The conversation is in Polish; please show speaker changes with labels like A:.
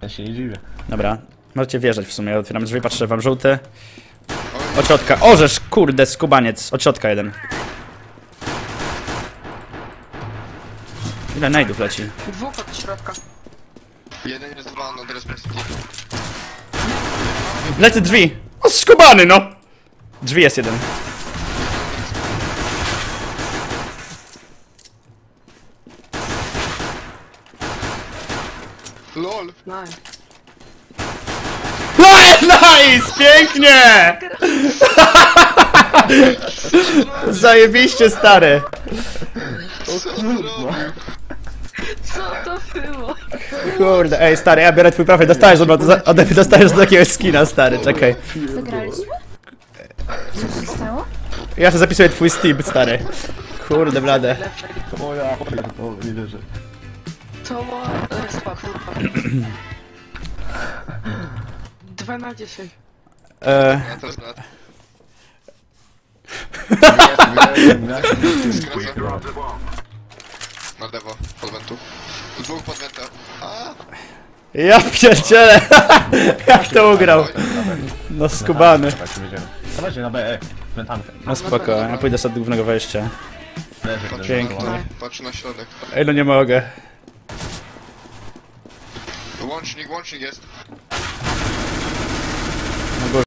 A: Ja się nie dziwię.
B: Dobra, możecie wjeżdżać w sumie. Ja otwieram drzwi, patrzę wam żółty. Od środka. Orzesz, kurde, skubaniec. Od środka jeden. Ile najdów leci?
C: Dwóch od środka.
D: Jeden jest dwa, no teraz bez
B: Lecę drzwi! O, skubany, no! Drzwi jest jeden.
D: LOL!
C: No.
B: Nice! Pięknie! Zajebiście, stary!
D: Co on robi?
C: Co to było?
B: Kurde, ej, stary, ja biorę twój profil, dostajesz ode mnie dostajesz do takiego skina, stary, czekaj.
E: Wygraliśmy? Co się stało?
B: Ja to zapisuję twój Steam, stary. Kurde, blade.
A: O ja, o, nie wierzę.
C: To było... Respa, kurwa. 2 na 10.
D: Ja teraz na... Skracam. Na lewo, pod wentu. Dwóch pod wenta. A,
B: Ja pierdzielę! Jak to ugrał? No skubany.
A: Tak, wiedziałem. Dawajcie na B, wentami.
B: No spoko, ja pójdę sobie do głównego wejścia.
A: Leży,
B: Pięknie.
D: patrz na środek.
B: Ej, no nie mogę.
D: Łącznik jest.